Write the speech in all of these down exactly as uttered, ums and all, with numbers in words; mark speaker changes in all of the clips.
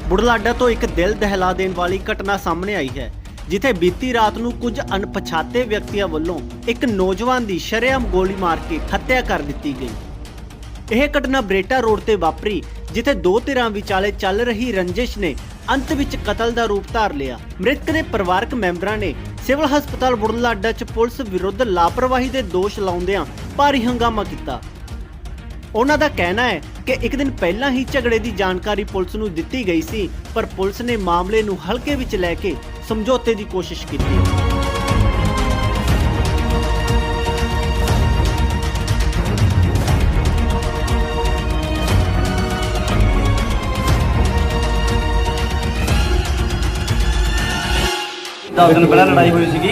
Speaker 1: ਬੁਢਲਾਡਾ ਤੋਂ ਇੱਕ ਦਿਲ ਦਹਿਲਾ ਦੇਣ ਵਾਲੀ ਘਟਨਾ ਸਾਹਮਣੇ ਆਈ ਹੈ, ਜਿੱਥੇ ਬੀਤੀ ਰਾਤ ਨੂੰ ਕੁਝ ਅਣਪਛਾਤੇ ਵਿਅਕਤੀਆਂ ਵੱਲੋਂ ਇੱਕ ਨੌਜਵਾਨ ਦੀ ਸ਼ਰੇਆਮ ਗੋਲੀ ਮਾਰ ਕੇ ਹੱਤਿਆ ਕਰ ਦਿੱਤੀ ਗਈ। ਇਹ ਘਟਨਾ ਬਰੇਟਾ ਰੋਡ ਤੇ ਵਾਪਰੀ, ਜਿੱਥੇ ਦੋ ਧਿਰਾਂ ਵਿਚਾਲੇ ਚੱਲ ਰਹੀ ਰੰਜਿਸ਼ ਨੇ ਅੰਤ ਵਿੱਚ ਕਤਲ ਦਾ ਰੂਪ ਧਾਰ ਲਿਆ। ਮ੍ਰਿਤਕ ਦੇ ਪਰਿਵਾਰਕ ਮੈਂਬਰਾਂ ਨੇ ਸਿਵਲ ਹਸਪਤਾਲ ਬੁਢਲਾਡਾ 'ਚ ਪੁਲਿਸ ਵਿਰੁੱਧ ਲਾਪਰਵਾਹੀ ਦੇ ਦੋਸ਼ ਲਾਉਂਦਿਆਂ ਭਾਰੀ ਹੰਗਾਮਾ ਕੀਤਾ। ਉਹਨਾਂ ਦਾ ਕਹਿਣਾ ਹੈ ਕਿ ਇੱਕ ਦਿਨ ਪਹਿਲਾਂ ਹੀ ਝਗੜੇ ਦੀ ਜਾਣਕਾਰੀ ਪੁਲਿਸ ਨੂੰ ਦਿੱਤੀ ਗਈ ਸੀ, ਪਰ ਪੁਲਿਸ ਨੇ ਮਾਮਲੇ ਨੂੰ ਹਲਕੇ ਵਿੱਚ ਲੈ ਕੇ ਸਮਝੌਤੇ ਦੀ ਕੋਸ਼ਿਸ਼ ਕੀਤੀ।
Speaker 2: दस दिन पहले लड़ाई हुई सी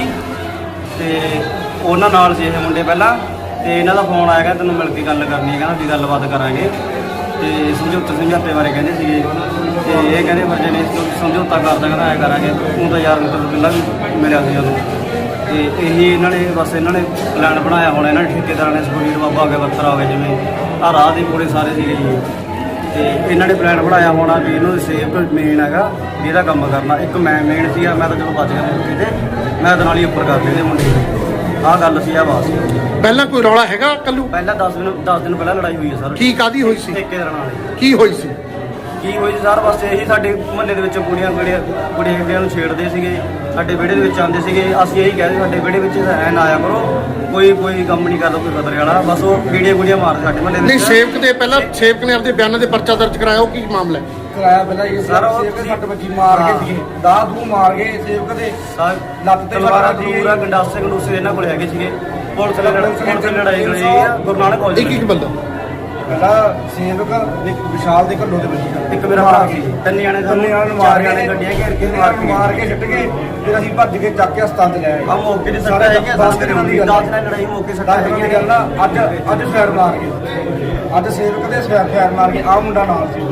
Speaker 2: ते उन्होंने नाल से मुंडे पहला तो इन्हों का फोन आएगा तेन मिल के गल करनी है, कहना भी गलबात करांगे तो समझौते समझौते बारे कहते थे तो ये कहते फिर जे समझौता करता कहना ऐ करांगे तू तो यार मतलब पहला भी मिलिया सी उन्होंने तो यही इन्होंने बस इन्होंने प्लैन बनाया होना, इन्होंने ठेकेदार ने सुखबीर बाबा हो गया बत्तर हो गए जिमें आ राह के पूरे सारे थे जी, तो इन्होंने प्लैन बनाया होना भी इन्होंने सेफ मेन है भी यदा कम करना। एक मैं मेन सी मैं तो चलो बच गया मौके से, मैं तो नाल ही उपर कर लेते मुंडे आह गल सी आ बस।
Speaker 3: पहला कोई रौला हैगा कल्लू?
Speaker 2: पहला दस दिन दस दिन पहले लड़ाई हुई है सर।
Speaker 3: की कादी हुई सी?
Speaker 2: ठेकेदार नाल
Speaker 3: की हुई सी?
Speaker 2: की हुई सर बस यही साडे मुहल्ले दे विच कुड़ियां कुड़ियां कुड़ियां कुड़ियां नूं छेड़दे सीगे, साडे विहड़े दे विच आंदे सीगे, असीं यही कहदे साडे विहड़े विच ऐ ना आया करो, कोई कोई काम नहीं करदा कोई खतरे वाला, बस वो कीड़ियां कुड़ियां मारदे साडे मुहल्ले दे।
Speaker 3: नहीं सेवक दे पहला सेवक ने अपने बयान दे पर्चा दर्ज कराया, वो की मामला है?
Speaker 4: कराया पहला ये सर सेवक सट बची मार के सीगे दाह दू मार के सेवक दे ਲੱਤ ਤੇ
Speaker 2: ਤਲਵਾਰਾਂ ਤਲੂਰਾ ਗੰਡਾਸੇ ਗੰਡੂਸੇ ਇਹਨਾਂ ਕੋਲ ਹੈਗੇ ਸੀਗੇ। ਪੁਲਿਸ ਨੇ ਪੁਲਿਸ ਨੇ ਲੜਾਈ ਲੜੀ ਆ ਗੁਰੂ ਨਾਨਕ ਕਾਲਜ
Speaker 3: एक एक बंदा
Speaker 4: ਪਹਿਲਾ ਸੇਵਕ ਇੱਕ ਵਿਸ਼ਾਲ ਦੇ ਘੱਲੋ ਦੇ ਬੱਚੀ
Speaker 2: ਇੱਕ ਮੇਰਾ ਭਰਾ ਸੀ, ਤਿੰਨ ਜਾਣੇ
Speaker 4: ਤਿੰਨ
Speaker 2: ਸਾਨੂੰ
Speaker 4: ਜਾਣੇ ਨੂੰ ਮਾਰ
Speaker 2: ਚਾਰ
Speaker 4: ਕੇ
Speaker 2: ਗੱਡੀਆਂ ਘੇਰ ਕੇ
Speaker 4: ਮਾਰ
Speaker 2: ਮਾਰ
Speaker 4: ਕੇ ਮਾਰ ਕੇ ਸਿੱਟ ਕੇ ਫਿਰ ਅਸੀਂ ਭੱਜ ਕੇ ਚੱਕ ਕੇ ਹਸਪਤਾਲ ਤੇ ਲੈ ਆਏ।
Speaker 2: ਆ ਮੌਕੇ ਦੀ ਸੱਟਾਂ ਹੈਗੀਆਂ
Speaker 4: ਦਸ ਦਿਨਾਂ ਦੀ ਗੱਲ
Speaker 2: ਦਸ ਦਿਨਾਂ ਦੀ ਲੜਾਈ ਮੌਕੇ ਸੱਟਾਂ
Speaker 4: ਦਸ ਦਿਨਾਂ ਦੀ ਗੱਲ ਆ। ਅੱਜ ਅੱਜ ਫੈਰ ਮਾਰ ਕੇ ਅੱਜ ਸੇਵਕ ਦੇ ਫੈਰ ਫੈਰ ਮਾਰ ਕੇ ਆ ਮੁੰਡਾ ਨਾਲ ਸੀ।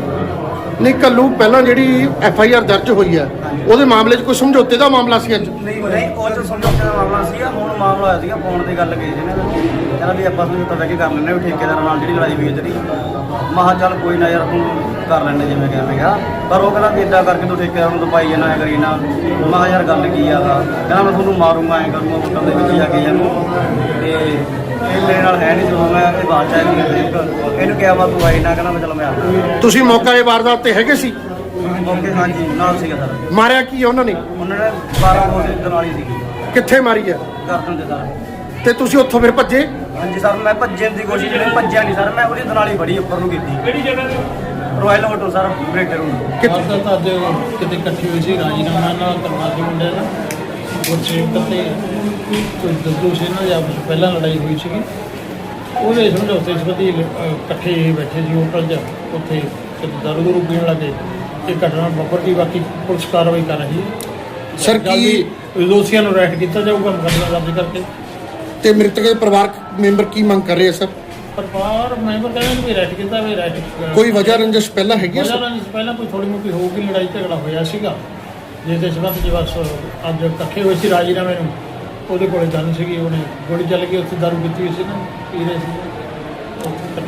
Speaker 3: नहीं कल्लू पहला जी एफ आई आर दर्ज हुई है, ਉਹਦੇ ਮਾਮਲੇ 'ਚ ਕੋਈ ਸਮਝੌਤੇ ਦਾ ਮਾਮਲਾ ਸੀ ਅੱਜ?
Speaker 2: ਨਹੀਂ ਨਹੀਂ ਉਹ ਤਾਂ ਸਮਝੌਤੇ ਦਾ ਮਾਮਲਾ ਸੀਗਾ। ਹੁਣ ਮਾਮਲਾ ਹੋਇਆ ਸੀਗਾ ਫੋਨ ਤੇ ਗੱਲ ਕੀਤੀ ਸੀ ਨਾ, ਕਹਿੰਦਾ ਵੀ ਆਪਾਂ ਸਮਝੌਤਾ ਬਹਿ ਕੇ ਕਰ ਲੈਂਦੇ ਵੀ ਠੇਕੇਦਾਰਾਂ ਨਾਲ ਜਿਹੜੀ ਲੜਾਈ ਹੋਈ ਹੈ ਤੇਰੀ। ਮਹਾ ਚੱਲ ਕੋਈ ਨਾ ਯਾਰ ਤੂੰ ਕਰ ਲੈਂਦੇ ਜਿਵੇਂ ਕਿਵੇਂ ਗਿਆ, ਪਰ ਉਹ ਕਹਿੰਦਾ ਵੀ ਇੱਦਾਂ ਕਰਕੇ ਤੂੰ ਠੇਕੇਦਾਰ ਨੂੰ ਦਬਾਈ ਜਾਣਾ ਐ ਕਰੀ ਨਾ। ਮਹਾ ਯਾਰ ਗੱਲ ਕੀ ਆ, ਕਹਿੰਦਾ ਮੈਂ ਤੁਹਾਨੂੰ ਮਾਰੂੰਗਾ ਐਂ ਕਰੂੰਗਾ ਪੁੱਟਾਂ ਦੇ ਵਿੱਚ ਜਾ ਕੇ ਜਾਨੂੰ ਤੇ ਇਹ ਮੇਰੇ ਨਾਲ ਹੈ ਨਹੀਂ। ਜਦੋਂ ਮੈਂ ਇਹ ਬਾਤ ਚਾਹੀ ਨਹੀਂ ਇਹਨੂੰ ਕਿਹਾ ਵਾ ਤੂੰ ਆਈ ਨਾ, ਕਹਿੰਦਾ ਮੈਂ ਚਲੋ ਮੈਂ ਆ
Speaker 3: ਤੁਸੀਂ ਮੌਕਾ ਇਹ ਵਾਰਦਾਤ ਤੇ ਹੈਗੇ ਸੀ?
Speaker 2: ਓਕੇ ਹਾਂਜੀ ਨਾਲ ਸੀਗਾ ਸਰ।
Speaker 3: ਮਾਰਿਆ ਕੀ ਉਹਨਾਂ ਨੇ?
Speaker 2: ਉਹਨਾਂ ਨੇ ਬਾਰਾਂ ਬੋਲ ਦਨਾਲੀ ਸੀਗੀ
Speaker 3: ਕਿੱਥੇ ਮਾਰੀ ਹੈ?
Speaker 2: ਗਰਦਨ ਦੇ ਸਰ।
Speaker 3: ਤੇ ਤੁਸੀਂ ਉੱਥੋਂ ਫਿਰ ਭੱਜੇ?
Speaker 2: ਹਾਂਜੀ ਸਰ ਮੈਂ ਭੱਜਣ ਦੀ ਕੋਸ਼ਿਸ਼ ਜਿਹੜੀ ਭੱਜਿਆ ਨਹੀਂ ਸਰ, ਮੈਂ ਉਹਦੀ ਦਨਾਲੀ ਬੜੀ ਉੱਪਰ ਨੂੰ ਕੀਤੀ। ਕਿਹੜੀ ਜਗ੍ਹਾ ਤੇ? Royal hotel sir Bareta road.
Speaker 3: ਕਿੱਥੇ?
Speaker 5: ਤਾਂ ਅੱਜ ਕਿਤੇ ਇਕੱਠੀ ਹੋਈ ਸੀ ਰਾਜੀਨਾਮਾ ਨਾਲ ਕਰਨਾ ਸੀ ਮੁੰਡੇ ਦਾ ਗੁਰਸੇਵਕ ਤੇ ਕੋਈ ਦੱਦੂ ਸੀ ਨਾ, ਜਾਂ ਪਹਿਲਾਂ ਲੜਾਈ ਹੋਈ ਸੀਗੀ ਉਹਦੇ ਸਮਝੌਤੇ ਸੰਬੰਧੀ ਇਕੱਠੇ ਬੈਠੇ ਸੀ ਹੋਟਲ 'ਚ, ਉੱਥੇ ਦਾਰੂ ਦੂਰੂ ਪੀਣ ਲੱਗੇ। ਇਹ ਘਟਨਾ ਵਾਪਰ ਗਈ, ਬਾਕੀ ਪੁਲਿਸ ਕਾਰਵਾਈ ਕਰ ਰਹੀ ਹੈ।
Speaker 3: ਸਰ ਕੀ
Speaker 5: ਦੋਸ਼ੀਆਂ ਨੂੰ ਅਰੈਸਟ ਕੀਤਾ ਜਾਊਗਾ ਮੁਕੱਦਮਾ ਦਰਜ ਕਰਕੇ।
Speaker 3: ਤੇ ਮ੍ਰਿਤਕ ਦੇ ਪਰਿਵਾਰਕ ਮੈਂਬਰ ਕੀ ਮੰਗ ਕਰ ਰਹੇ ਆ ਸਰ?
Speaker 5: ਪਰਿਵਾਰ ਮੈਂਬਰ ਕਹਿੰਦੇ ਵੀ ਅਰੈਸਟ ਕੀਤਾ ਵੀ ਅਰੈਸਟ
Speaker 3: ਕੋਈ ਵਜ੍ਹਾ ਰੰਜਿਸ਼ ਪਹਿਲਾਂ ਹੈਗੀ ਹੈ
Speaker 5: ਵਜ੍ਹਾ
Speaker 3: ਸਰ?
Speaker 5: ਰੰਜਿਸ਼ ਪਹਿਲਾਂ ਕੋਈ ਥੋੜੀ ਮੋਟੀ ਹੋਊਗੀ, ਲੜਾਈ ਝਗੜਾ ਹੋਇਆ ਸੀਗਾ ਜਿਸ ਦੇ ਸੰਬੰਧ 'ਚ ਬਸ ਅੱਜ ਇਕੱਠੇ ਹੋਏ ਸੀ ਰਾਜੀਨਾਮੇ ਨੂੰ। ਉਹਦੇ ਕੋਲੇ ਜਾਣੀ ਸੀਗੀ, ਉਹਨੇ ਗੋਲੀ ਚੱਲ ਗਈ, ਉੱਥੇ ਦਾਰੂ ਪੀਤੀ ਹੋਈ ਸੀ ਨਾ, ਪੀ ਰਹੇ ਸੀ।